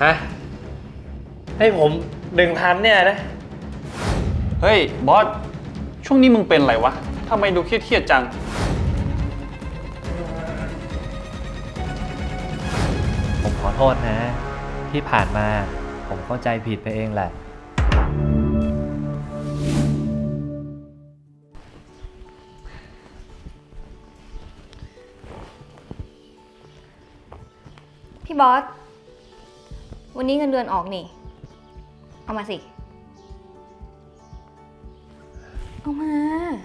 ฮะให้ผม1,000เนี่ยนะเฮ้ยบอสช่วงนี้มึงเป็นอะไรวะทำไมดูเครียดๆจังผมขอโทษนะที่ผ่านมาผมเข้าใจผิดไปเองแหละพี่บอส วันนี้เงินเดือนออกนี่ เอามาสิ เอามา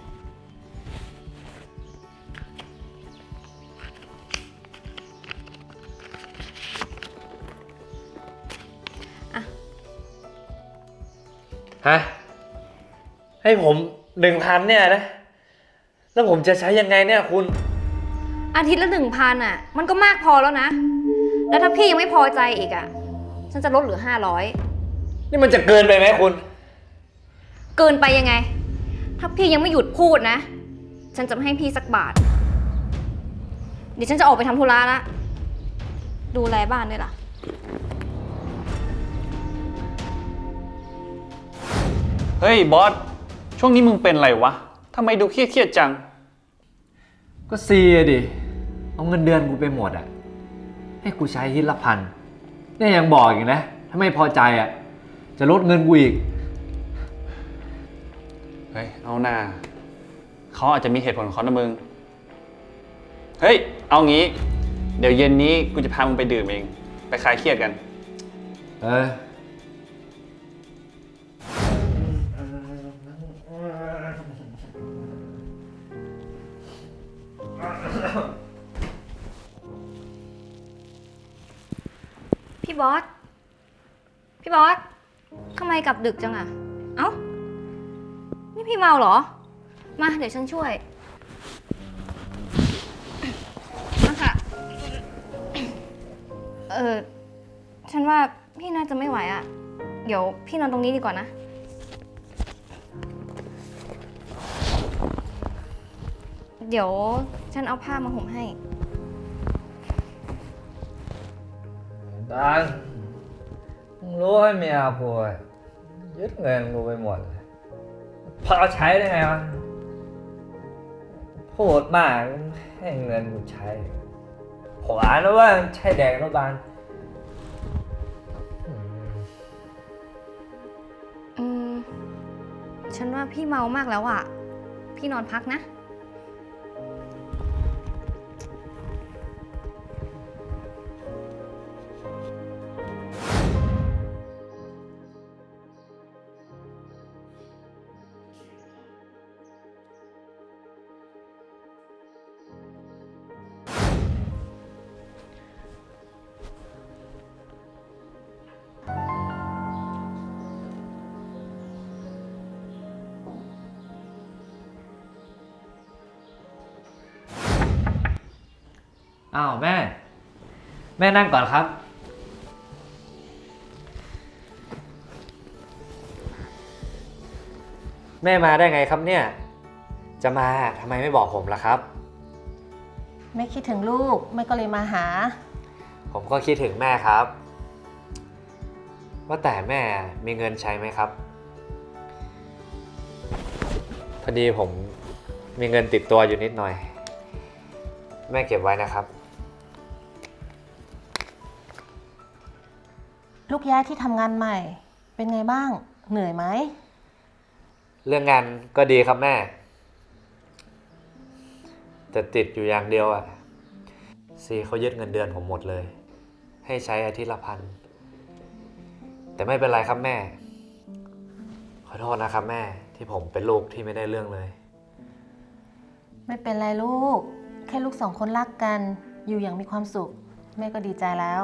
ฮะให้ผม1,000เนี่ยนะแล้วผมจะใช้ยังไงเนี่ยคุณอาทิตย์ละ1,000อ่ะ มันก็มากพอแล้วนะ แล้วถ้าพี่ยังไม่พอใจอีกอ่ะ ฉันจะลดเหลือ500 นี่มันจะเกินไปไหมคุณเกินไปยังไง ถ้าพี่ยังไม่หยุดพูดนะ ฉันจะไม่ให้พี่สักบาท เดี๋ยวฉันจะออกไปทำธุระละดูแลบ้านด้วยล่ะเฮ้ยบอสช่วงนี้มึงเป็นอะไรวะทำไมดูเครียดๆจังก็ซีดิเอาเงินเดือนกูไปหมดอ่ะให้กูใช้ทีละ1,000เนี่ยยังบอกอีกนะถ้าไม่พอใจอ่ะจะลดเงินกูอีกเฮ้ยเอาหน้าเขาอาจจะมีเหตุผลของเขานะมึงเฮ้ยเอางี้เดี๋ยวเย็นนี้กูจะพามึงไปดื่มเองไปคลายเครียดกันพี่บอส พี่บอส ทำไมกลับดึกจังอะเอ้า นี่พี่เมาเหรอ มาเดี๋ยวฉันช่วย มาค่ะ ฉันว่าพี่น่าจะไม่ไหวอะเดี๋ยวพี่นอนตรงนี้ดีกว่านะ เดี๋ยวฉันเอาผ้ามาห่มให้ดังมึงรู้ให้เมียกูยึดเงินกูไปหมดเลยพอเอาใช้ได้ไงวะพูดมากให้เงินกูใช้ขวานะว่าใช่แดงนะบานฉันว่าพี่เมามากแล้วอ่ะ พี่นอนพักนะอ้าวแม่นั่งก่อนครับแม่มาได้ไงครับเนี่ยจะมาทำไมไม่บอกผมล่ะครับแม่คิดถึงลูกแม่ก็เลยมาหาผมก็คิดถึงแม่ครับว่าแต่แม่มีเงินใช้ไหมครับพอดีผมมีเงินติดตัวอยู่นิดหน่อยแม่เก็บไว้นะครับลูกย้ายที่ทำงานใหม่เป็นไงบ้างเหนื่อยไหมเรื่องงานก็ดีครับแม่แต่ติดอยู่อย่างเดียวอ่ะซีเขายึดเงินเดือนผมหมดเลยให้ใช้อาทิตย์ละ1,000แต่ไม่เป็นไรครับแม่ขอโทษนะครับแม่ที่ผมเป็นลูกที่ไม่ได้เรื่องเลยไม่เป็นไรลูกแค่ลูกสองคนรักกันอยู่อย่างมีความสุขแม่ก็ดีใจแล้ว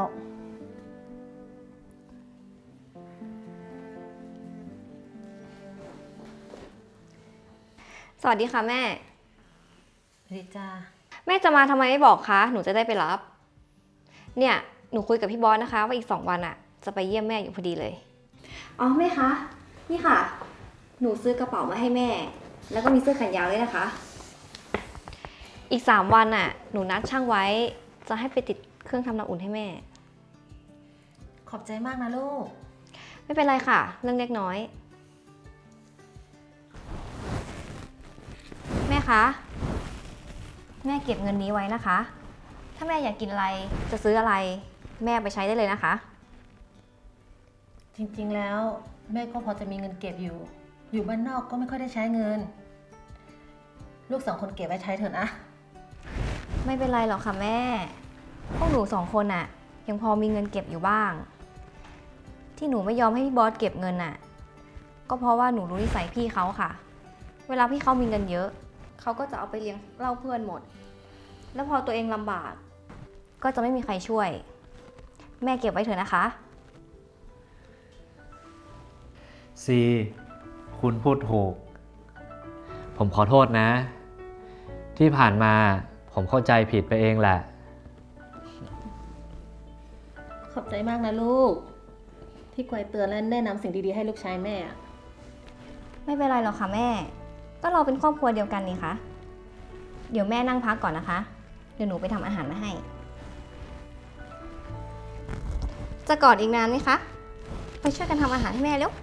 สวัสดีค่ะแม่สวัสดีจ้าแม่จะมาทำไมไม่บอกคะหนูจะได้ไปรับเนี่ยหนูคุยกับพี่บอสนะคะว่าอีก2 วันอะจะไปเยี่ยมแม่อยู่พอดีเลยอ๋อแม่คะนี่ค่ะหนูซื้อกระเป๋ามาให้แม่แล้วก็มีเสื้อแขนยาวด้วยนะคะอีก3 วันอะหนูนัดช่างไว้จะให้ไปติดเครื่องทำน้ำอุ่นให้แม่ขขอบใจมากนะลูกไม่เป็นไรค่ะ เรื่องเล็กน้อย แม่คะ แม่เก็บเงินนี้ไว้นะคะ ถ้าแม่อยากกินอะไร จะซื้ออะไร แม่ไปใช้ได้เลยนะคะจริงๆแล้วแม่ก็พอจะมีเงินเก็บอยู่ อยู่บ้านนอกก็ไม่ค่อยได้ใช้เงิน ลูก2 คนเก็บไว้ใช้เถอะนะไม่เป็นไรหรอกค่ะแม่ พวกหนู2 คนน่ะ ยังพอมีเงินเก็บอยู่บ้าง ที่หนูไม่ยอมให้พี่บอสเก็บเงินน่ะ ก็เพราะว่าหนูรู้นิสัยพี่เขาค่ะ เวลาพี่เขามีเงินเยอะ เขาก็จะเอาไปเลี้ยงเหล้าเพื่อนหมด แล้วพอตัวเองลำบาก ก็จะไม่มีใครช่วย แม่เก็บไว้เถอะนะคะซี คุณพูดถูก ผมขอโทษนะ ที่ผ่านมาผมเข้าใจผิดไปเองแหละขอบใจมากนะลูก ที่คอยเตือนและแนะนำสิ่งดีๆให้ลูกชายแม่อะไม่เป็นไรหรอกค่ะแม่ ก็เราเป็นครอบครัวเดียวกันนี่คะ เดี๋ยวแม่นั่งพักก่อนนะคะ เดี๋ยวหนูไปทำอาหารมาให้ จะกอดอีกนานไหมคะ ไปช่วยกันทำอาหารให้แม่เร็ว